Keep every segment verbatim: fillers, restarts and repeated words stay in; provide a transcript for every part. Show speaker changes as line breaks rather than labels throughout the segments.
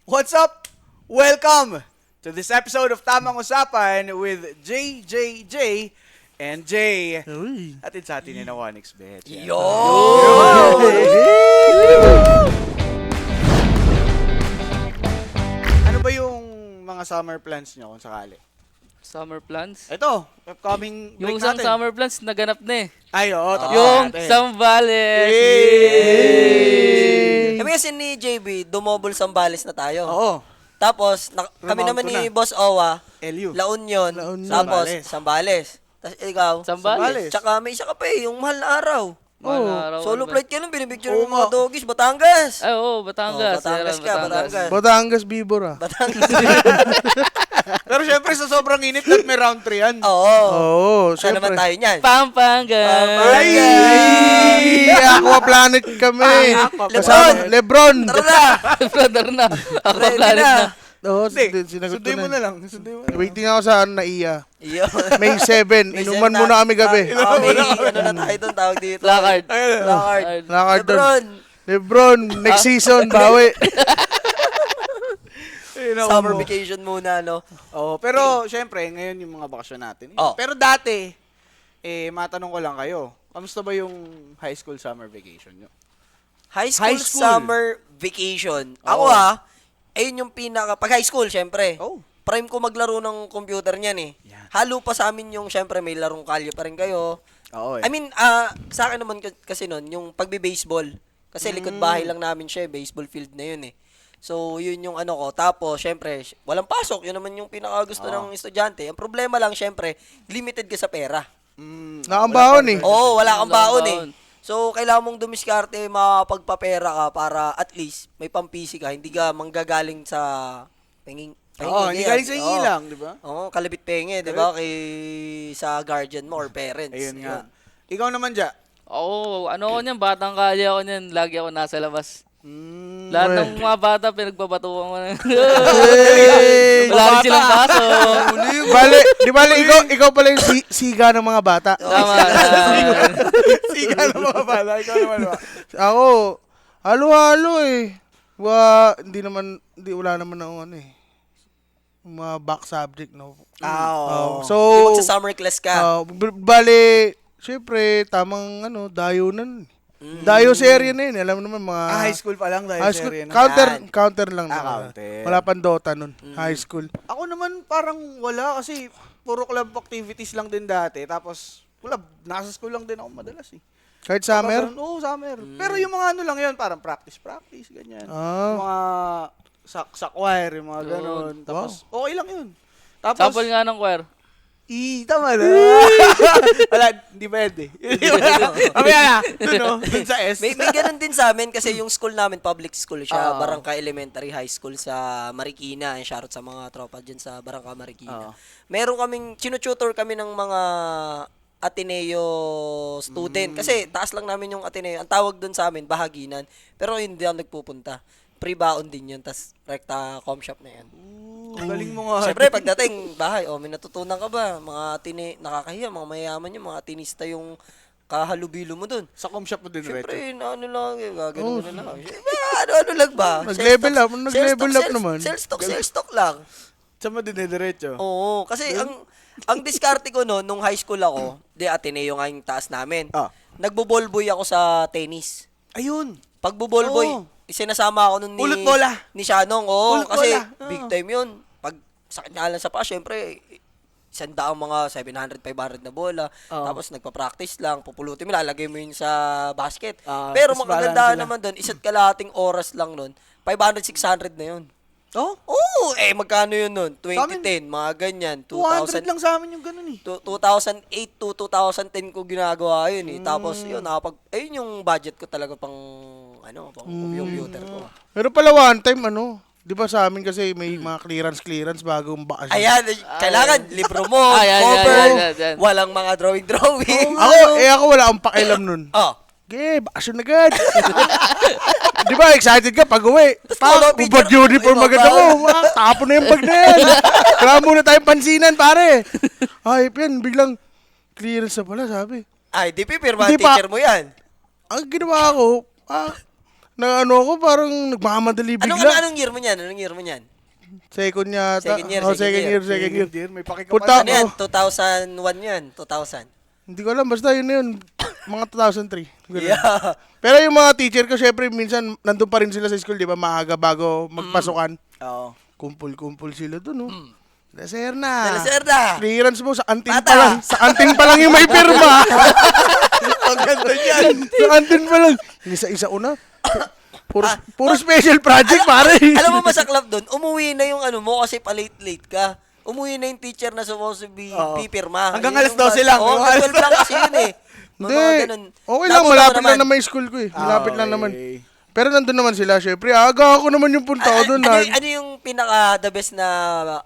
What's up? Welcome to this episode of Tamang Usapan with J J J and Jay.
Uy.
Atin sa atin ni na one x bet.
Yo!
Ano ba yung mga summer plans nyo kung sakali?
Summer plans?
Ito, upcoming break
Yung isang
natin.
summer plans, naganap na eh.
Ay, oo. tapos
yung
natin.
Sambales!
Yay!
Kami kasi ni J B, dumobol Sambales na tayo.
Oo.
Tapos, na- kami
Remount
naman
ko
ni
na.
Boss Owa,
L U.
La Union,
La Union.
tapos
Sambales.
Sambales. Tapos ikaw,
Sambales.
tsaka may isa ka pa eh, yung mahal na araw.
Mga
Oo.
araw,
Solo
ano ba?
flight ka lang, binibicture
Oo
ng mga
nga.
doggies, Batangas.
Ay, oo, Batangas.
Oh, Batangas
Ayan,
ka, Batangas.
Batangas Bibora.
Batangas.
Pero syempre sa sobrang init at may round three yan.
Oo.
Oo,
Saan naman
syempre.
tayo niyan?
Pampanga!
Ay!
Ay! Aqua Planet kami.
Aqua
Kasama Lebron.
Tara na!
Brother na. Ako
Ready
planet
na.
na.
Oo,
Hindi,
sinagot ko
sundin mo
na.
na lang. Sundin mo na lang.
Waiting ako sa Naiya.
Iyo.
May seven.
May
Inuman
seven
muna
na-
kami gabi.
Ah, ah, may ano na tayo doon, tawag dito.
Lakard.
Lakard.
Lakard doon.
Lebron.
Lebron, next season, bawi.
Ayun ako
Summer
mo.
vacation muna, no?
Oo, pero syempre, ngayon yung mga bakasyon natin.
Oh.
Pero dati, eh, matanong ko lang kayo, kamusta ba yung high school summer vacation nyo?
High school,
High school.
summer vacation. Ako
Oo.
ha, ayun yung pinaka, pag high school, syempre.
Oh.
Prime ko maglaro ng computer niyan eh.
Yan.
Halo pa sa amin yung, syempre, may larong kalye pa rin kayo.
Oo eh.
I mean, ah sa akin naman k- kasi nun, yung pagbe-baseball. Kasi
Mm.
likod bahay lang namin siya, eh, baseball field na yun eh. So, yun yung ano ko. Tapos, syempre, sh- walang pasok. Yun naman yung pinakagusto
Oo.
ng estudyante. Ang problema lang, syempre, limited ka sa pera.
Mm,
Nakambahon eh.
Oo, wala kang
Wala
baon
kang
eh.
baon.
So, kailangan mong dumiskarte, makapagpapera ka para at least may pampisi ka. Hindi ka manggagaling sa penging.
Oo, hindi galing sa hingi
Oo.
lang, di ba?
Oo, kalabit penge, di ba? Kay sa guardian mo or parents.
Ayun nga.
Yun.
Ikaw naman, Ja.
Oo, ano ako niyan, batang kalye ako niyan. Lagi ako nasa labas.
Mm,
Lahat
Uy.
ng mga bata, pinagbabatuan ko na.
Hey!
Wala rin silang paso.
Bale, di bale, ikaw, ikaw pala yung si- siga ng mga bata.
Tama na.
Siga ng mga bala. Ikaw naman ba?
Ako, halo-halo eh. Wa, hindi naman, hindi, wala naman ako ano eh. Mga back subject, no?
Ah, oo.
Oh, so,
Yung magsa summer class ka.
oh, b- bale, syempre, tamang ano, dayo na. Dayo sa area na yun. Alam mo naman mga...
Ah, high school pa lang dahil
high
sa
school,
area na.
counter,
Yan.
counter lang.
Ah,
na.
counter.
Wala pang Dota nun. High school.
Ako naman parang wala kasi puro club activities lang din dati. Tapos, wala, nasa school lang din ako madalas eh.
Kahit summer.
Kapag- Oo, summer. Pero yung mga ano lang yun, parang practice-practice, ganyan.
Ah.
Mga sa, sa choir, yung mga ganun.
Yun.
Tapos, okay lang yun. Tapos,
Sample nga ng choir.
i, tama na. Wala, hindi pwede. Mamaya na, dun no, dun sa S.
May, may ganun din sa amin kasi yung school namin, public school siya,
Oo.
Barangka Elementary High School sa Marikina. Shoutout sa mga tropa dyan sa Barangka Marikina.
Oo.
Meron kaming, chinututor kami ng mga Ateneo student. Kasi taas lang namin yung Ateneo. Ang tawag dun sa amin, bahaginan. Pero hindi ako nagpupunta. Pre-baon din yun, tas rekta com shop na yan.
Ang galing mo nga.
Siyempre, pagdating bahay, oh, may natutunan ka ba? Mga tini, nakakahiya, mga mayaman yung mga tinista yung kahalubilo mo dun.
Sa com shop mo din, Reto.
Siyempre, na ano lang, eh, gagano mo na lang. Siyempre, ano-ano lang ba?
Nag-level
Sales
up,
talk-
nag-level
sales talk,
up
sales-
naman.
Sales talk, sales talk lang.
Saan mo din diretso?
Oo, kasi ang ang diskarte ko no, nung high school ako, di Ateneo nga yung taas namin.
Ah.
Nagbo-ballboy ako sa tennis.
Ayun.
Pagbo-ballboy,
Oo.
isinasama ako nun ni...
Ulot bola.
Ni Shanong, oo.
Ulot
Kasi
bola, oo.
big time yun. Pag sakit niya lang sa paa, syempre, isang daang mga seven hundred, five hundred na bola.
Oo.
Tapos nagpa-practice lang, pupulutin mo, lalagay mo yun sa basket.
Ah,
Pero
tapos
makagandahan
balance sila.
naman doon, isa't kalahating oras lang nun, five hundred, six hundred na yun.
Oh?
Oo, eh magkano yun nun?
Sa
twenty ten, mga ganyan.
two hundred
two thousand,
lang sa amin yung ganun eh.
tu- two thousand eight to two thousand ten ko ginagawa yun eh. Tapos
Hmm.
yun, nakapag, ayun yung budget ko talaga pang, ano, pang
Hmm.
computer ko.
Pero pala one time, ano, di ba sa amin kasi may mga clearance-clearance bagong bakasyon.
Ayan, eh, kailangan libro mo,
Ay, ay,
cover,
ay, ay, ay, ay.
walang mga drawing-drawing.
Ako, eh ako wala akong pakialam nun.
Oh,
Okay, bakasyon agad. Di ba, excited ka pag uwi.
photo
Tak,
picture.
ubad uniform
Ay,
agad
baba.
ako. Ah, Tapon na yung bag na yan. Kaya muna tayong pansinan, pare. Ay, yan, biglang clearance na pala, sabi.
ay, di pipirma
Hindi pa.
teacher mo yan.
Ang ginawa ko, ah, na ano ako, parang nagmamadali
Anong,
bigla.
ano, anong year mo niyan? Anong year mo niyan?
Second yata.
Second year,
Oh,
second
second
year.
year, second year.
Dear, may pakikapan.
Punta
Ano yan?
ako.
two thousand one yan? two thousand?
Hindi ko alam, basta yun na yun. Mga two thousand three. Ganun.
Yeah.
Pero yung mga teacher ko, syempre, minsan, nandun pa rin sila sa school, di ba? Maaga bago magpasukan.
Oo.
Kumpul-kumpul sila dun, oh. Laser na.
Laser na.
Clearance mo, sa anting
Bata.
pa lang. Sa anting pa lang yung may pirma.
Ang ganda niyan.
sa anting pa lang. Isa-isa una. Puro, puro special project, pare.
Alam mo masaklap doon, umuwi na yung ano mo kasi pa-late-late ka. Umuwi na yung teacher na supposed to be
Oo.
pipirma.
Hanggang
Yun
alas
yung
twelve
bas-
lang.
Oo,
Hanggang
hanggang
alas
twelve lang kasi yun eh. Mga
Hindi.
ganun.
Okay lang,
Napunta
malapit
ko
lang
naman.
naman yung school ko eh. Malapit lang
Okay.
naman. Pero nandun naman sila, syempre. Aga ako naman yung punta ko
Ah,
doon.
ano,
na-
ano yung pinaka the best na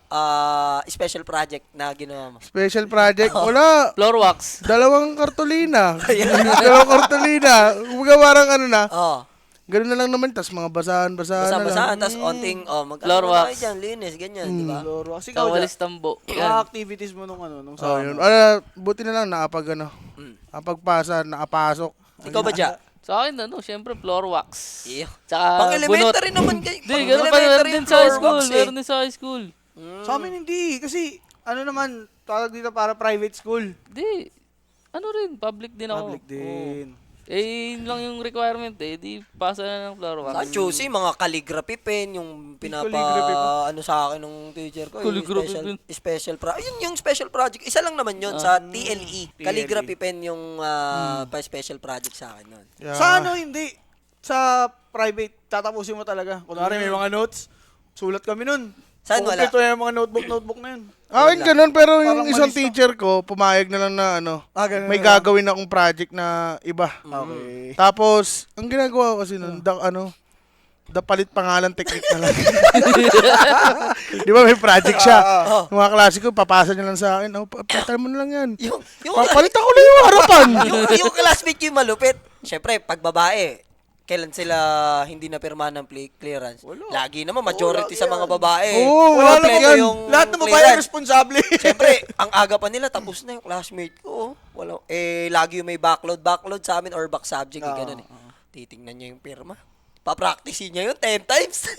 ah, special project na ginawa mo?
Special project. Wala.
Floor wax.
Dalawang kartolina. Dalawang kartolina. Kumbaga parang ano na.
Oh,
Ganun na lang naman. Tapos mga basahan-basahan na lang.
basa-basaan, tapos onting, oh, mag
Floor
ano
wax.
tayo dyan, linis, ganyan, di ba?
Loro. Kasi ikaw,
Kawalis tambo.
mga
Yan.
activities mo nung ano, nung
Oh,
summer.
yun. Ah, buti na lang nakapag ano.
Mm.
Nakapagpasa, nakapasok.
Ikaw ba, Ja?
Sa akin, ano, syempre, floor wax.
Iyo.
Tsaka
Pang
bunot.
elementary naman kayo.
Hindi, ganun pa meron din sa high school. Meron din sa high school.
Sa amin hindi. Kasi, ano naman, tawag dito para private school.
Hindi. Ano rin, public din ako.
Public din.
Oo. Eh, yun lang yung requirement eh. Di pasa na ng floor wax.
Sa Chusey, mga calligraphy pen, yung pinapa,
Calligraphy pa.
ano sa akin ng teacher ko, yung
Calligraphy
special,
pen.
special project. Yun yung special project. Isa lang naman yun sa T L E. Calligraphy pen yung ah, pa-special project sa akin nun.
Yeah.
Sa ano, hindi. Sa private, tatapusin mo talaga. Kunwari, may mga notes. Sulat kami nun.
Saan wala?
Kumpleto na yung mga notebook-notebook na yun.
Akin ganun, pero yung
Parang
isang
malis to.
teacher ko, pumayag na lang na ano,
Ah, ganun
may
na lang.
gagawin akong project na iba.
Okay.
Tapos, ang ginagawa ko kasi nun, da, ano, da palit pangalan technique na lang. Di ba may project siya?
Ah,
Yung mga klase ko, papasa niya lang sa akin, oh, pa- patay mo na lang yan.
Yung, yung,
Papalit ako na yung harapan.
yung, yung classmate yung malupit. Siyempre, pag babae, kailan sila hindi na pirma ng play clearance? Lagi naman, majority
Wala
sa
yan.
mga babae.
Oo,
Wala
wala
naman
yan.
yung
Lahat ng babae
clearance.
responsable.
Siyempre, ang aga pa nila, tapos na yung classmate ko. oh. Wala, eh, lagi yung may backload. Backload sa amin or back subject, eh,
Oo,
ganun eh. Titingnan niya yung pirma. Papracticein niya yun ten times.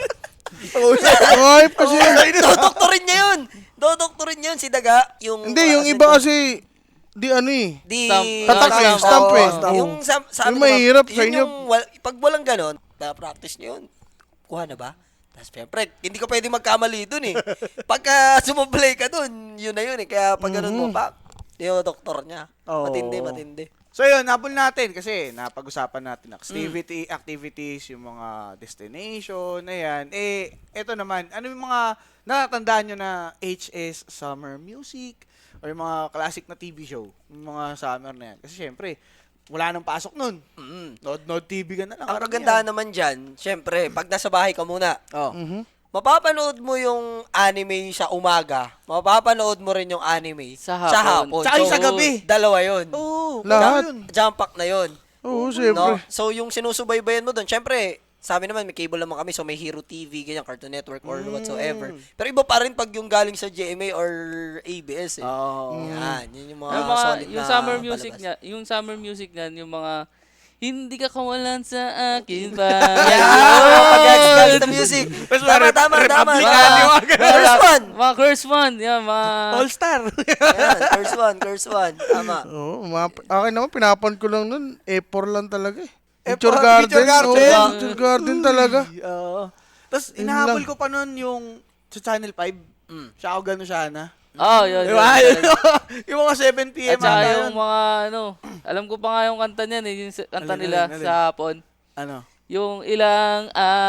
Ay, kasi,
Dodoktorin niya yun. Dodoktorin niya yun si Daga. Yung,
hindi, yung
classmate
iba
ko.
kasi, di ano eh.
Di,
Stamp.
Tatak eh,
stamp,
stamp
oo,
eh.
stamp.
Oo.
Yung sa, sa
Yung
amin naman,
mahirap sa
yun
inyo.
Yung, wal, pag walang ganon, na-practice niyo yun. Kuha na ba? Tapos syempre, hindi ka pwede magkamali dun eh. Pagka sumablay ka dun, yun na yun eh. Kaya pag ganon mo, pa, yung doktor niya.
Oo.
Matindi, matindi.
So yun, napul natin kasi napag-usapan natin activity, activities, yung mga destination, na yan. Eh, eto naman, ano yung mga natatandaan nyo na H S summer music or yung mga classic na T V show, yung mga summer na yan. Kasi syempre, wala nang pasok nun.
Mm.
Nod-nod T V ka na lang.
Ang
karamihan.
kagandahan naman dyan, syempre, pag nasa bahay ka muna,
Oh.
Mhm.
mapapanood mo yung anime sa umaga, mapapanood mo rin yung anime
Sa hapon.
Tsaka yung sa gabi.
Dalawa yun.
Oo,
Lahat.
yun.
Jump pack na yun.
Oo,
No?
siyempre.
So, yung sinusubaybayan mo doon, syempre, sa amin naman, may cable naman kami, so may Hero T V, ganyan, Cartoon Network, or
Mm.
whatsoever. Pero iba pa rin pag yung galing sa G M A or A B S eh.
Oo.
Yan, yun yung mga,
yung mga,
solid
yung
na
summer music
palabas.
niya, yung summer music niyan, yung mga hindi ka kawalan sa akin pa.
Yeah! Pag-express the music.
Tapos
Tama,
mga
tama, tama.
Republican, yung mga ganun.
First one.
Mga curse one. Yan, mga...
All-star.
Yan, first one, first one. Tama.
Oo, mga, akin naman, pinapan ko lang nun, E four lang talaga eh.
E
Picture
four,
garden.
picture garden.
Oo, picture garden talaga.
Oo. Tapos,
Yun
inahabol
lang.
ko pa nun yung sa Channel five.
Mm.
Siya ako gano'n siya na.
Oh, yun.
Di
yun,
ba?
yun.
yung mga seven p m
At saka
ata
yung
yun.
mga ano, alam ko pa nga yung kanta niyan eh, yung sa- kanta
Alin,
nila
alin, alin?
sa hapon.
Ano?
Yung ilang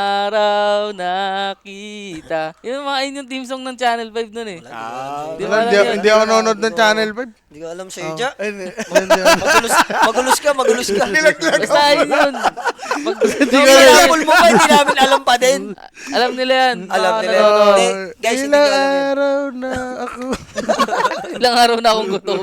araw nakita. Yung mga yun yung team song ng Channel five nun eh.
Ah,
Di
Wala,
ba
Hindi,
alam yun?
hindi ako nanonood ng Channel five.
Hindi ko alam sa'yo, Ja.
Hindi.
Magulus, magulus ka, magulus ka.
Basta yun yun. Pag,
Yung pinapul mo pa, hindi namin alam pa din.
alam nila yan.
Alam
Mga
nila yan.
nanonood.
Hindi, guys, hindi
Ilang
ko alam yan.
araw na ako.
Ilang araw na akong gutom.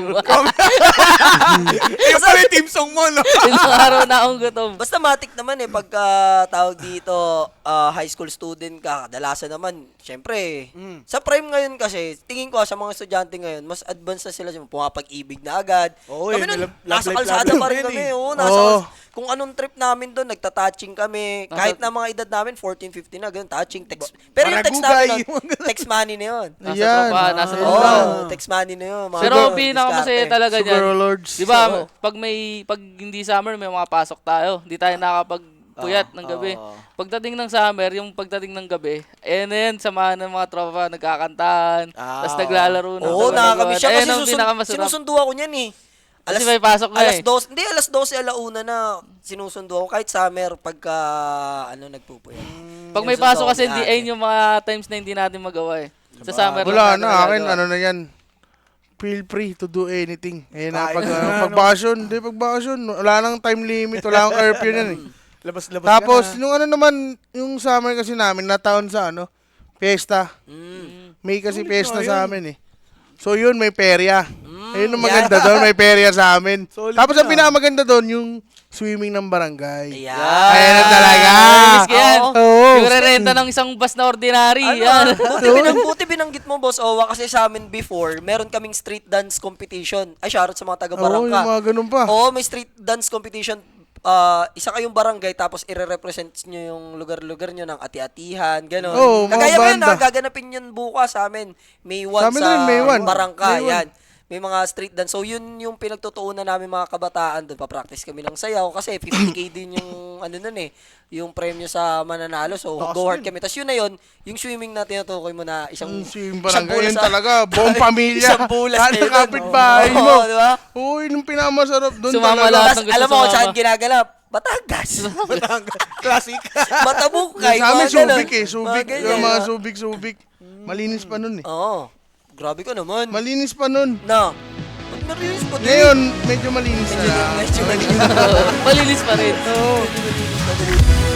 Yung pala yung team song mo, no?
Ilang araw na akong gutom.
Basta matik naman eh, pagka tawag dito, ah, high school student ka, kadalasan naman, syempre,
Mm.
sa prime ngayon kasi, tingin ko sa mga estudyante ngayon, mas advanced na sila, pumapag-ibig na agad.
Oo,
kami
eh, may
nun,
love-
nasa
love life
kalsada
lalo
pa rin
yun
kami,
eh.
oo, nasa
Oo.
kals- kung anong trip namin doon, nagta-touching kami. Kahit na mga edad namin, fourteen, fifteen na, ganun, touching, text. Pero yung text
Baragugay.
namin, nun, text money na yun.
Nasa
Ayan.
tropahan, nasa
Ah.
Oo,
tropahan.
text money na yun. mga
Pero
ganun,
pinakamasaya
diskarte.
talaga niyan.
Sugar Lords.
Di ba,
Oo.
pag may pag hindi summer, may mga pasok tayo. Hindi tayo nakakapagpuyat ng gabi.
Oo.
Pagdating ng summer, yung pagdating ng gabi, eh na yan, samahan ng mga tropa, nagkakantahan,
Ah,
tapos naglalaro ng
Oo, nakakamiss siya.
Ayun
Kasi
ang
susun,
pinakamasarap.
sinusundo ako niyan eh.
Kasi may pasok na
alas
eh.
dos, hindi, alas dos, alauna na sinusundo ako. Kahit summer, pagka, ano, nagpupuyat.
Pag may
Sinusundo
pasok
ako
kasi,
ni
hindi,
ate.
ayun yung mga times na hindi natin magawa eh. Sa summer
Wala
lang natin
na, akin,
nagagawa.
ano na yan. Feel free to do anything. Eh na,
Kahit
pag,
na,
ano,
ano.
pag bakasyon, hindi, pag bakasyon, wala nang time limit, wala nang curfew yan eh.
Labas-labas
Tapos,
ka na.
yung ano naman, yung summer kasi namin, nataon sa ano, fiesta.
Mm.
May kasi
Ulit
fiesta
na
sa
yun.
amin eh. So yun, may perya. Ayun ang
yeah.
maganda doon, may perya sa amin.
Solid
Tapos ang
na.
pinakamaganda doon, yung swimming ng barangay.
Ayan.
Ayan na talaga.
Miss ko yan.
Oo.
Yung re-renta ng isang bus na ordinary.
Ano,
Yan.
buti, binang, buti binanggit mo, Boss Owa, kasi sa amin before, meron kaming street dance competition. Ay, shoutout sa mga
Oo,
taga-barangka.
yung mga ganun pa.
Oo, may street dance competition. Ah, isa kayong barangay, tapos ire-represent nyo yung lugar-lugar nyo ng ati-atihan, gano'n.
Oo, mga
Kagaya mo yun,
banda.
ha, gaganapin yun bukas sa amin. May one
Sa
sa,
amin rin, May one.
barangka,
May one.
yan. May mga street dance. So, yun yung pinagtutuunan namin mga kabataan doon. Pa-practice kami ng sayaw kasi fifty K din yung, ano nun eh, yung premyo sa mananalo. So,
Taas
go hard
din.
kami. Tapos yun na yun, yung swimming na tinutukoy mo na isang,
Yung swimming
isang
barangay,
bulas
yun
sa-
talaga, buong pamilya.
isang bulas
Lahat
kayo
ng
dun.
kapitbahay
Oo,
mo.
di ba?
Oo, yun yung pinakamasarap doon
Sumama
talaga.
lahat.
Tapos,
ng gusto
alam mo kung
sumama.
saan ginaganap? Batangas.
Classic.
Matabukay.
Sa amin,
mga ganun.
subik eh. Subik.
Mga ganyan,
Yung mga
ah.
subik-subik. Malinis pa nun eh.
Oo. Grabe ka naman.
Malinis pa nun.
Na. Ba't narinis pa din?
Ngayon, medyo malinis
Medyo,
na.
medyo, medyo.
Malinis pa rin.
Oo.
Medyo malinis pa din.